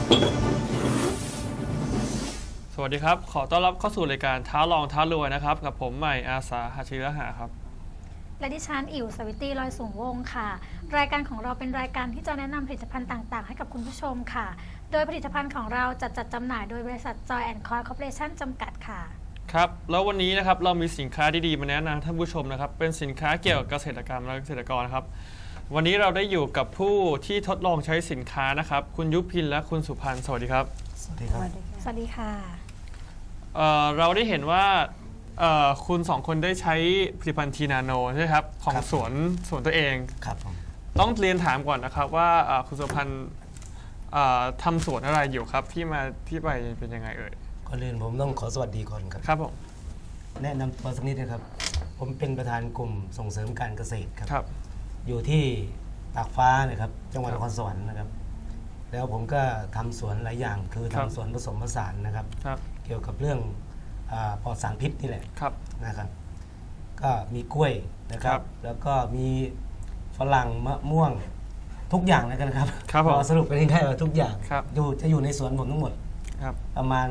สวัสดีครับขอต้อนรับเข้าสู่รายการท้าลองท้ารวยนะครับกับผมใหม่อาสาหาชิระหาครับและดิฉันอิ๋วสวิตตี้ลอยสูงวงค่ะรายการของเราเป็นรายการที่จะแนะนำผลิตภัณฑ์ต่างๆให้กับคุณผู้ชมค่ะโดยผลิตภัณฑ์ของเราจัดจำหน่ายโดยบริษัท Joy & Coy Corporation จำกัดค่ะครับแล้ววันนี้นะครับเรามีสินค้าดีๆมาแนะนำท่านผู้ชมนะครับเป็นสินค้าเกี่ยวกับเกษตรกรรมและเกษตรกรครับวันนี้เราได้อยู่กับผู้ที่ทดลองใช้สินค้านะครับคุณยุพินและคุณสุพันธ์สวัสดีครับสวัสดีครับสวัสดีค่ะเราได้เห็นว่าคุณสองคนได้ใช้ผลิตภัณฑ์ทีนาโนใช่ไหมครับของสวนตัวเองครับผมต้องเรียนถามก่อนนะครับว่าคุณสุพันธ์ทำสวนอะไรอยู่ครับที่มาที่ไปเป็นยังไงเอ่ยก่อนอื่นผมต้องขอสวัสดีก่อนครับครับผมแนะนำตัวสักนิดนะครับผมเป็นประธานกลุ่มส่งเสริมการเกษตรครับครับอยู่ที่ตากฟ้านะครับจังหวัดนครสวรรค์นะครับแล้วผมก็ทำสวนหลายอย่างคือทำสวนผสมผสานนะครับเกี่ยวกับเรื่องปลอดสารพิษนี่แหละนะครับก็มีกล้วยนะครับแล้วก็มีฝรั่งมะม่วงทุกอย่างแล้วกันครับพอสรุปกันง่ายๆว่าทุกอย่างจะอยู่ในสวนผมทั้งหมดประมาณ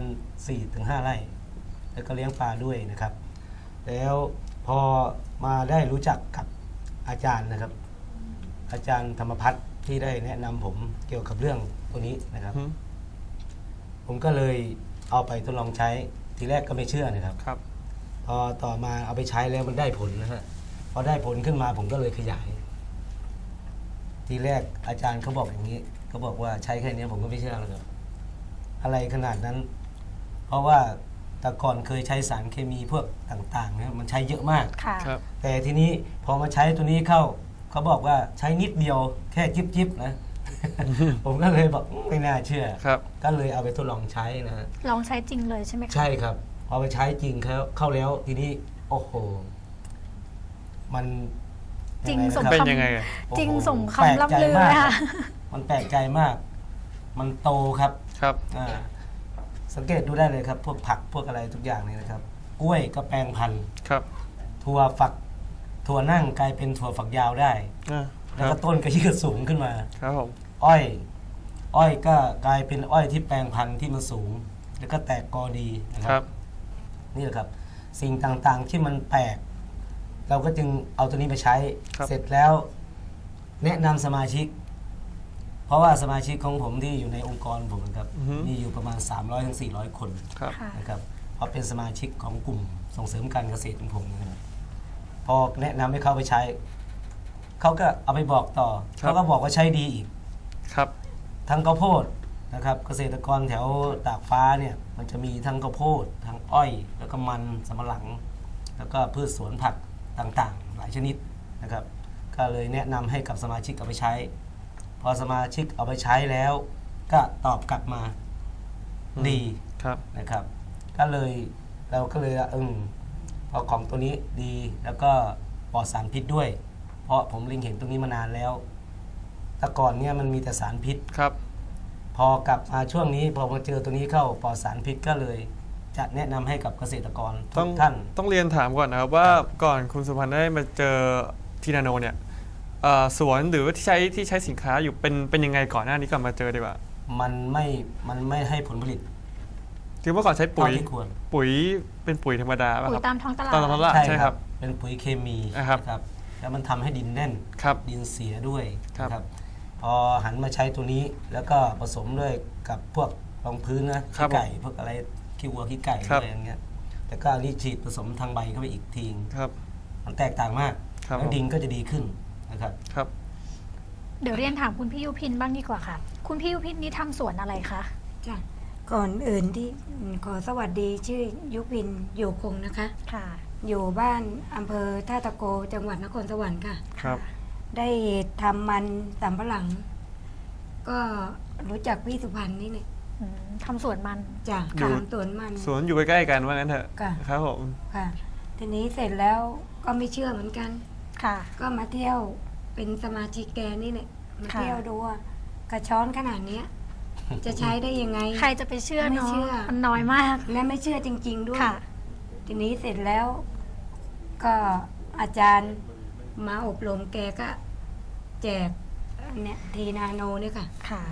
4-5 ไร่แล้วก็เลี้ยงปลาด้วยนะครับแล้วพอมาได้รู้จักกับอาจารย์นะครับอาจารย์ธรรมพัฒน์ที่ได้แนะนำผมเกี่ยวกับเรื่องตัวนี้นะครับผมก็เลยเอาไปทดลองใช้ทีแรกก็ไม่เชื่อนะครับพอต่อมาเอาไปใช้แล้วมันได้ผลนะฮะพอได้ผลขึ้นมาผมก็เลยขยายทีแรกอาจารย์เขาบอกอย่างนี้เขาบอกว่าใช้แค่นี้ผมก็ไม่เชื่อแล้วครับอะไรขนาดนั้นเพราะว่าแต่ก่อนเคยใช้สารเคมีพวกต่างๆนะมันใช้เยอะมากแต่ทีนี้พอมาใช้ตัวนี้เข้าเขาบอกว่าใช้นิดเดียวแค่จิ๊บๆนะ ผมก็เลยบอกไม่น่าเชื่อก็เลยเอาไปทดลองใช้นะฮะลองใช้จริงเลยใช่ไหมครับใช่ครับพอไปใช้จริงเข้าแล้วทีนี้โอ้โหมันจริงสมเป็นยังไงจริงสมคำล่ำลือค่ะมันแปลกใจมากมันโตครับสังเกตดูได้เลยครับพวกผักพวกอะไรทุกอย่างนี่นะครับกล้วยก็แปลงพันธุ์ถั่วนั่งกลายเป็นถั่วฝักยาวได้แล้วก็ต้นก็ยืดสูงขึ้นมาครับผมอ้อยก็กลายเป็นอ้อยที่แปลงพันธุ์ที่มันสูงแล้วก็แตกกอดีนะครับนี่แหละครับสิ่งต่างๆที่มันแปลกเราก็จึงเอาตัวนี้ไปใช้เสร็จแล้วแนะนำสมาชิกเพราะว่าสมาชิกของผมที่อยู่ในองค์กรผมนะครับมีอยู่ประมาณ 300-400 คนนะครับเพราะเป็นสมาชิกของกลุ่มส่งเสริมการเกษตรของผมนะครับพอแนะนำให้เขาไปใช้เขาก็เอาไปบอกต่อเขาก็บอกว่าใช้ดีอีกทั้งข้าวโพดนะครับเกษตรกรแถวตากฟ้าเนี่ยมันจะมีทั้งข้าวโพดทั้งอ้อยแล้วก็มันสำปะหลังแล้วก็พืชสวนผักต่างๆหลายชนิดนะครับก็เลยแนะนำให้กับสมาชิกเอาไปใช้พอสมาชิกเอาไปใช้แล้วก็ตอบกลับมาดีนะครับก็เลยเราก็เลยพอของตัวนี้ดีแล้วก็ปลอดสารพิษด้วยเพราะผมเล็งเห็นตรงนี้มานานแล้วแต่ก่อนเนี่ยมันมีแต่สารพิษพอกลับมาช่วงนี้พอมาเจอตัวนี้เข้าปลอดสารพิษก็เลยจะแนะนำให้กับเกษตรกรทุกท่านต้องเรียนถามก่อนนะครับว่าก่อนคุณสุพันธ์ได้มาเจอทีนาโนเนี่ยสวนหรือที่ใช้สินค้าอยู่เป็นยังไงก่อนหน้านี้ก่อนมาเจอดีกว่ามันไม่ให้ผลผลิตคือเมื่อก่อนใช้ปุ๋ยเป็นปุ๋ยธรรมดาป่ะครับตามท้องตลาดใช่ครับเป็นปุ๋ยเคมีครับแล้วมันทำให้ดินแน่นดินเสียด้วยครับพอหันมาใช้ตัวนี้แล้วก็ผสมด้วยกับพวกรองพื้นนะขี้ไก่พวกอะไรขี้วัวขี้ไก่อะไรอย่างเงี้ยแต่ก็อันนี้ฉีดผสมทางใบเข้าไปอีกทีมันแตกต่างมากแล้วดินก็จะดีขึ้นนะครับเดี๋ยวเรียนถามคุณพี่ยุพินบ้างดีกว่าค่ะคุณพี่ยุพินนี่ทำสวนอะไรคะจ้ะก่อนอื่นที่ขอสวัสดีชื่อยุพินอยู่คงนะคะค่ะอยู่บ้านอำเภอท่าตะโกจังหวัดนครสวรรค์ค่ะครับได้ทำมันสำปะหลังก็รู้จักพี่สุพรรณนี่เนี่ยทำสวนมันจ้ะทำสวนมันสวนอยู่ใกล้ๆกันว่างั้นเถอะครับผมค่ะทีนี้เสร็จแล้วก็ไม่เชื่อเหมือนกันค่ะก็มาเที่ยวเป็นสมาชิกแกนี่เนี่ยมาเที่ยวดูว่ากระช้อนขนาดนี้จะใช้ได้ยังไงใครจะไปเชื่อเนาะมันน้อยมากและไม่เชื่อจริงๆด้วยทีนี้เสร็จแล้วก็อาจารย์มาอบรมแกก็แจกเนี่ยทีนาโนเนี่ยค่ะ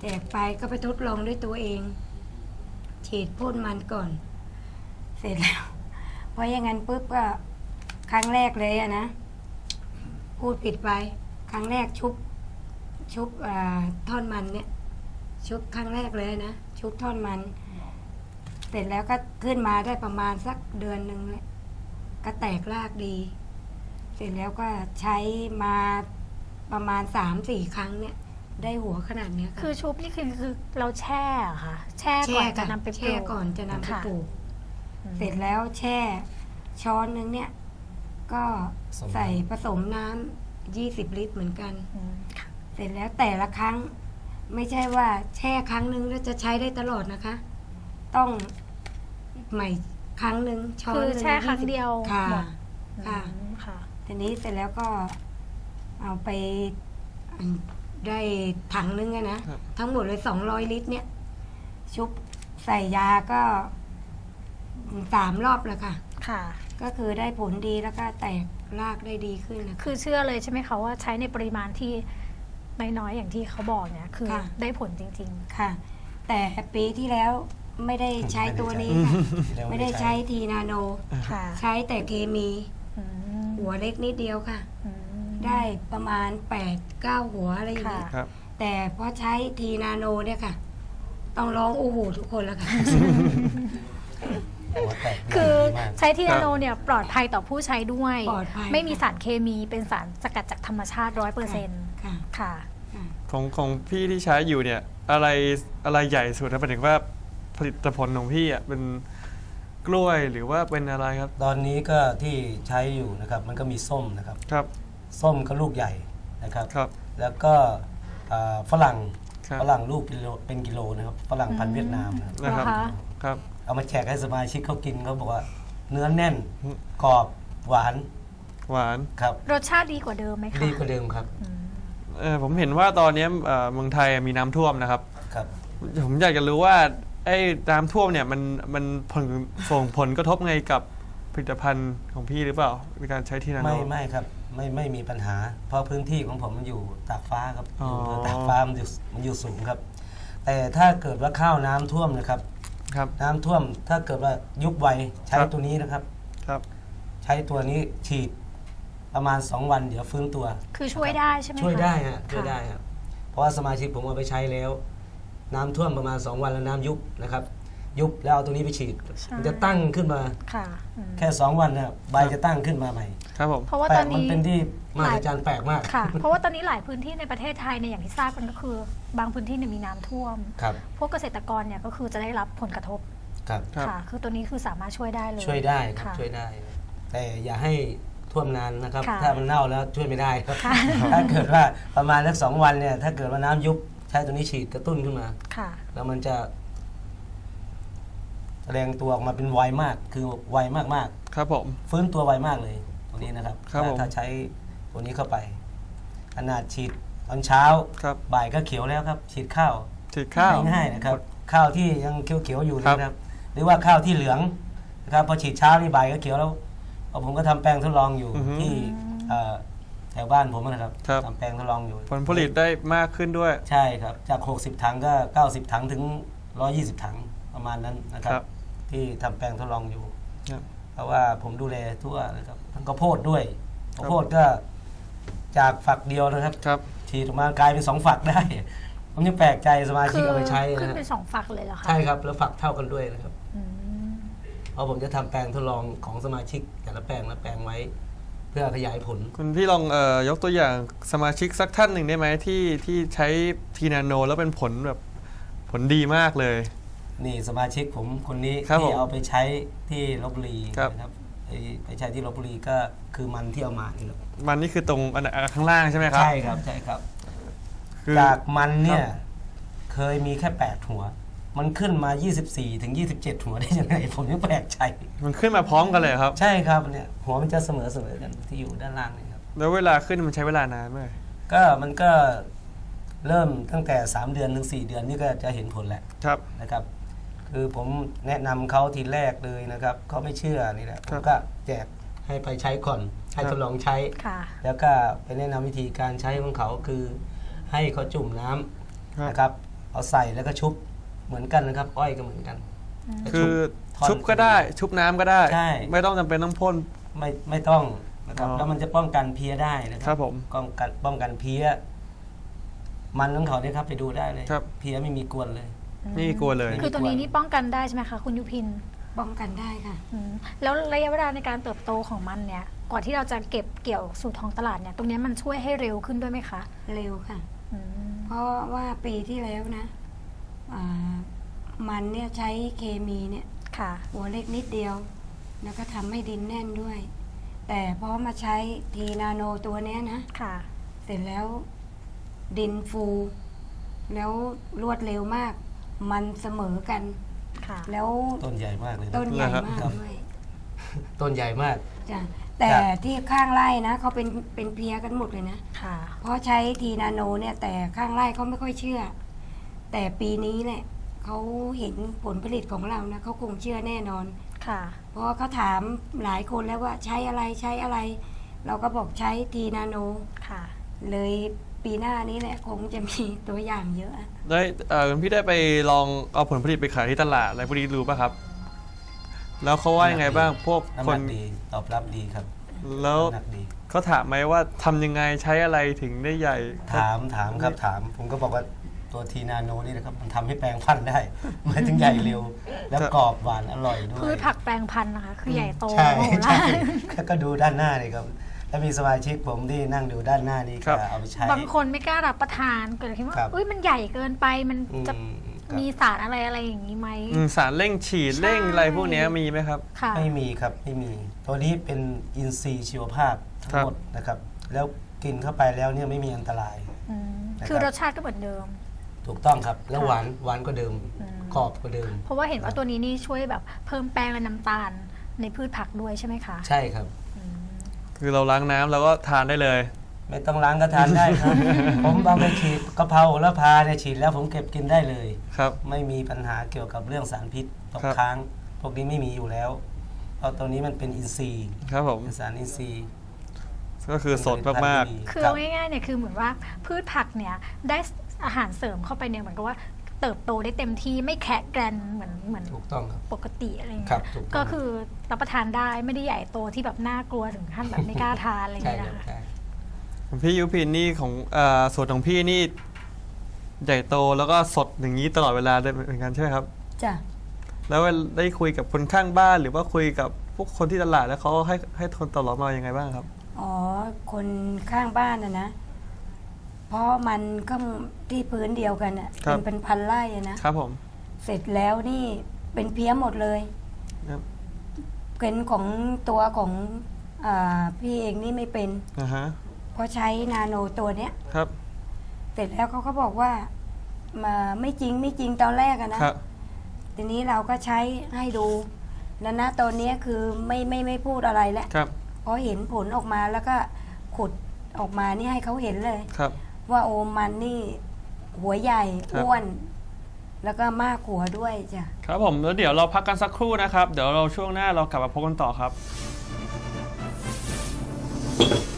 แจกไปก็ไปทดลองด้วยตัวเอง ฉีดพ่นมันก่อน เสร็จแล้วเพราะอย่างนั้นปุ๊บก็ครั้งแรกเลยอะนะพูดผิดไปครั้งแรกชุบท่อนมันเนี่ย ชุบครั้งแรกเลยนะชุบท่อนมัน เสร็จแล้วก็ขึ้นมาได้ประมาณสักเดือนหนึ่งเลยก็แตกรากดี เสร็จแล้วก็ใช้มาประมาณ 3-4 ครั้งเนี่ย ได้หัวขนาดเนี้ยคือชุบนี่คือเราแช่เหรอค่ะ แช่ก่อนจะนำไปปแช่ลูกก่อนจะนำไปค่ะปลูกอืมเสร็จแล้วแช่ช้อนนึงเนี่ย ก็ใส่ผสมน้ำ20 ลิตรเหมือนกันอืมค่ะเสร็จแล้วแต่ละครั้ง ไม่ใช่ว่าแช่ครั้งนึงแล้วจะใช้ได้ตลอดนะคะ ต้องใหม่ครั้งหนึ่งช้อนคือหนึ่งแช่ครั้งเดียวค่ะหมดค่ะอืมค่ะทีนี้เสร็จแล้วก็เอาไปได้ถังนึงอะนะครับทั้งหมดเลย200 ลิตรเนี่ย ชุบใส่ยาก็3 รอบแล้วค่ะค่ะก็คือได้ผลดีแล้วก็แตกรากได้ดีขึ้นนะคะคือเชื่อเลยใช่ไหมคะว่าใช้ในปริมาณที่น้อยๆอย่างที่เขาบอกเนี่ยคือค่ะได้ผลจริงค่ะ แต่ปีที่แล้วไม่ได้ใช้ตัวนี้ค่ะไม่ได้ใช้ทีนาโนๆ ค่ะใช้แต่เคมีอืมหัวเล็กนิดเดียวค่ะอืมได้ประมาณ 8-9 หัวอะไรอย่างเงี้ยค่ะครับแต่พอใช้ทีนาโนเนี่ยค่ะ ต้องร้องโอ้โหทุกคนแล้วค่ะหัวแตกคือมากใช้ทีนาโนเนี่ยปลอดภัยต่อผู้ใช้ด้วยปลอดภัยไม่มีสารเคมีเป็นสารสกัดจากธรรมชาติ 100% ค่ะค่ะค่ะของพี่ที่ใช้อยู่เนี่ยอะไรใหญ่สุดนะหมายถึงว่าผลิตผลของพี่อ่ะเป็นกล้วยหรือว่าเป็นอะไรครับตอนนี้ก็ที่ใช้อยู่นะครับ มันก็มีส้มนะครับครับส้มก็ลูกใหญ่นะครับครับแล้วก็ฝรั่งครับฝรั่งลูกเป็นกิโลนะครับฝรั่งพันธุ์เวียดนามนะครับนะครับเหรอคะครับเอามาแจกให้สมาชิกเขากินเขาบอกว่า เนื้อแน่นอืมกรอบหวานหวานครับรสชาติดีกว่าเดิมไหมคะดีกว่าเดิมครับอืมผมเห็นว่าตอนนี้เมืองไทยมีน้ำท่วมนะครับครับผมอยากจะรู้ว่าไอ้น้ำท่วมเนี่ยมันส่งผลกระทบไงกับผลิตภัณฑ์ของพี่หรือเปล่าในการใช้ทีนาโนไม่ครับไม่มีปัญหา เพราะพื้นที่ของผมมันอยู่ตากฟ้าครับอ๋ออยู่ตากฟ้ามันอยู่สูงครับ แต่ถ้าเกิดว่าข้าวน้ำท่วมนะครับครับน้ำท่วมถ้าเกิดว่ายุบไวใช้ครับตัวนี้นะครับครับใช้ตัวนี้ฉีดประมาณ 2 วันเดี๋ยวฟื้นตัวคือช่วยได้ใช่ไหมคะช่วยได้ฮะช่วยค่ะได้ครับเพราะว่าสมาชิกผมเอาไปใช้แล้ว น้ำท่วมประมาณ 2 วันแล้วน้ำยุบนะครับ ยุบแล้วเอาตัวนี้ไปฉีดใช่มันจะตั้งขึ้นมาค่ะอืมแค่ 2 วันเนี่ยใบจะตั้งขึ้นมาใหม่ครับผมเพราะว่าแปลตอก นมันนี้เป็นที่มหัศจรรย์แปลกมากค่ะ เพราะว่าตอนนี้หลายพื้นที่ในประเทศไทยเนี่ยอย่างที่ทราบกันก็คือ บางพื้นที่เนี่ยมีน้ำท่วมครับพวกเกษตรกรเนี่ยก็คือจะได้รับผลกระทบครับครับค่ะ คือตัวนี้คือสามารถช่วยได้เลยช่วยได้ครับค่ะช่วยได้ แต่อย่าให้ท่วมนานนะครับค่ะถ้ามันเน่าแล้วช่วยไม่ได้ครับค่ะถ้าเกิดว่าประมาณสัก2 วันเนี่ยถ้าเกิดว่าน้ำยุบใช้ตัวนี้ฉีดกระตุ้นขึ้นมาค่ะแล้วมันจะแสดงตัวออกมาเป็นไวมากคือไวมากครับผมๆฟื้นตัวไวมากเลยตัวนี้นะครับครับผมถ้าใช้ตัวนี้เข้าไปขนาดฉีดตอนเช้าครับบ่ายก็เขียวแล้วครับ ฉีดข้าวฉีดข้าวง่ายๆนะครับ ข้าวที่ยังเขียวๆอยู่ครับนะครับ หรือว่าข้าวที่เหลืองนะครับพอฉีดเช้านี่บ่ายก็เขียวแล้วเพราะผมก็ทำแปลงทดลองอยู่ที่แถวบ้านผมนะครับครับทำแปลงทดลองอยู่ผลผลิตได้มากขึ้นด้วยใช่ครับ จาก 60 ถังก็ 90 ถังถึง 120 ถังประมาณนั้นนะครัครับ บที่ทำแปลงทดลองอยู่ครับเพราะว่าผมดูแลทั่วนะครับทั้งข้าวโพดด้วยข้าวโพดก็จากฝักเดียวนะครับครับฉีดออกมากลายเป็น2 ฝักได้ ผมยังแปลกใจสมาชิคืกอเอาไปใช้ขึ้นนะเป็น2 ฝักเลยเหรอคะใช่ครับแล้วฝักเท่ากันด้วยนะครับอืมเพราะผมจะทำแปลงทดลองของสมาชิกแต่ละแปลงไว้ เพื่อขยายผลคุณพี่ลองยกตัวอย่างสมาชิกสักท่านหนึ่งได้ไหมที่ใช้ทีนาโนแล้วเป็นผลแบบผลดีมากเลยนี่สมาชิกผมคนนี้ครับผมที่เอาไปใช้ที่ลบบุรีครับนะครับไปใช้ที่ลบบุรีก็คือมันที่เอามานี่แหละมันนี่คือตรงข้างล่างใช่ไหมครับใช่ครับใช่ครับคือจากมันเนี่คยรับเคยมีแค่ 8 หัว มันขึ้นมา 24 ถึง 27 หัวได้ยังไง ผมยังแปลกใจมันขึ้นมาพร้อมกันเลยครับใช่ครับเนี่ยหัวมันจะเสมอกันที่อยู่ด้านล่างนี่ครับแล้วเวลาขึ้นมันใช้เวลานานไหมก็มันก็เริ่มตั้งแต่ 3 เดือนถึง 4 เดือนนี่ก็จะเห็นผลแหละครับนะครับ คือผมแนะนำเขาทีแรกเลยนะครับเขาไม่เชื่อนี่แหละผมก็แจกให้ไปใช้ก่อนให้ทดลองใช้ค่ะแล้วก็ไปแนะนำวิธีการใช้ของเขาคือให้เขาจุ่มน้ำนะครับเอาใส่แล้วก็ชุบเหมือนกันนะครับ อ้อยก็เหมือนกันคือท่อนชุบก็ได้ชุบน้ำก็ได้ใช่ไม่ต้องจำเป็นต้องพ่นไม่ต้องนะครับอ๋อแล้วมันจะป้องกันเพี้ยได้นะคครัรับผมป้องกันเพี้ยมันของเขาเนี่ยครับไปดูได้เลยครับเพี้ยไม่มีกวนเลยนี่กลัวเลยคือตัวนี้นี่ป้องกันได้ใช่ไหมคะคุณยุพินป้องกันได้ค่ะแล้วระยะเวลาในการเติบโตของมันเนี่ยกว่าที่เราจะเก็บเกี่ยวสู่ท้องตลาดเนี่ยตรงนี้มันช่วยให้เร็วขึ้นด้วยไหมคะเร็วค่ะอืมเพราะว่าปีที่แล้วนะมันเนี่ยใช้เคมีเนี่ยค่ะหัวเล็กนิดเดียว แล้วก็ทำให้ดินแน่นด้วย แต่พอมาใช้ทีนาโนตัวเนี้ยนะค่ะเสร็จแล้วดินฟู แล้วรวดเร็วมาก มันเสมอกันค่ะแล้วต้นใหญ่มากเลยนะต้นใหญ่มากครับด้วยต้นใหญ่มากจ้ะแต่ครับที่ข้างไร่นะเขาเป็นเพลียกันหมดเลยนะค่ะเพราะใช้ทีนาโนเนี่ยแต่ข้างไร่เขาไม่ค่อยเชื่อ แต่ปีนี้เนี่ยเขาเห็นผลผลิตของเรานะเขาคงเชื่อแน่นอนค่ะเพราะว่าเขาถามหลายคนแล้วว่าใช้อะไรใช้อะไร เราก็บอกใช้ทีนาโนค่ะเลยปีหน้านี้แหละคงจะมีตัวอย่างเยอะได้คุณพี่ได้ไปลองเอาผลผลิตไปขายที่ตลาดอะไรพวกนี้รู้ป่ะครับ แล้วเขาว่ายังไงบ้างพวกน้ำคหนันกดีตอบรับดีครับแล้วน้ำหนักดีเขาถามไหมว่าทำยังไงใช้อะไรถึงได้ใหญ่ถามครับถาม ผมก็บอกว่าตัวทีนาโนนี่นะครับมันทำให้แปลงพันธุ์ได้ หมายถึงใหญ่เร็ว แล้วกรอบหวานอร่อยด้วยพืชผักแปลงพันธุ์นะคะ คือใหญ่โตใช่โมโหใช่ลานก็ดูด้านหน้าเลยครับแล้วมีสมาชิกผมที่นั่งดูด้านหน้านี่ก็เอาไปใช้บางคนไม่กล้ารับประทานเกิดคิดว่าครับอุ้ยมันใหญ่เกินไปมันอืมจะครับมีสารอะไรอย่างนี้ไหมสารเร่งฉีดใช่เร่งอะไรพวกนี้มีไหมครับค่ะไม่มีครับไม่มี ตัวนี้เป็นอินทรีย์ชีวภาพทั้งหมดนะครับ แล้วกินเข้าไปแล้วเนี่ยไม่มีอันตรายอืมนะครับคือรสชาติก็เหมือนเดิมถูกต้องครับ แล้วค่ะหวานก็เดิมอืมกรอบก็เดิมเพราะว่าเห็นว่าตัวนี้นี่ช่วยแบบเพิ่มแป้งและน้ำตาลในพืชผักด้วยใช่ไหมคะใช่ครับอืมคือเราล้างน้ำแล้วก็ทานได้เลยไม่ต้องล้างก็ทานได้ครับ ผมเอาไปฉีดกะเพราแล้วพาเนี่ยฉีดแล้วผมเก็บกินได้เลยครับไม่มีปัญหาเกี่ยวกับเรื่องสารพิษตกครับค้าง พวกนี้ไม่มีอยู่แล้ว เพราะตัวนี้มันเป็นอินทรีย์ครับผมเป็นสารอินทรีย์ก็คือสดมากคือรับเอาง่ายๆเนี่ยคือเหมือนว่าพืชผักเนี่ยได้อาหารเสริมเข้าไปเนี่ยเหมือนกับว่าเติบโตได้เต็มที่ไม่แคะแกรนเหมือนถูกต้องครับปกติอะไรอย่างครัเงี้บยถูกต้องก็คือรับประทานได้ไม่ได้ใหญ่โตที่แบบน่ากลัวถึงขั้นแบบไม่กล้าทานอะไรอย่างใช่เงี้ยครับนะคะใช่ๆของพี่ยุพินนี่ของสวนของพี่นี่ใหญ่โตแล้วก็สดอย่างนี้ตลอดเวลาได้เหมือนกันใช่ไหมครับจ้ะแล้วได้คุยกับคนข้างบ้านหรือว่าคุยกับพวกคนที่ตลาดแล้วเขาให้ทนตลอดมายังไงบ้างครับอ๋อ คนข้างบ้านนะ เพราะมันก็ที่พื้นเดียวกันอ่ะครับเป็นพันไร่อะนะครับผมเสร็จแล้วนี่เป็นเพี้ยหมดเลยครับเป็นของตัวของพี่เองนี่ไม่เป็นอ่าฮะเพราะใช้นาโนตัวเนี้ยครับเสร็จแล้วเขาก็บอกว่ามาไม่จริงตอนแรกอะนะครับ ทีนี้เราก็ใช้ให้ดูแล้วนะตอนนี้คือไม่พูดอะไรแล้วครับพอเห็นผลออกมาแล้วก็ขุดออกมานี่ให้เขาเห็นเลยครับว่าโอมันนี่หัวใหญ่ครับอ้วน แล้วก็มากหัวด้วยจ้ะครับผมแล้วเดี๋ยวเราพักกันสักครู่นะครับ เดี๋ยวเราช่วงหน้าเรากลับมาพบกันต่อครับ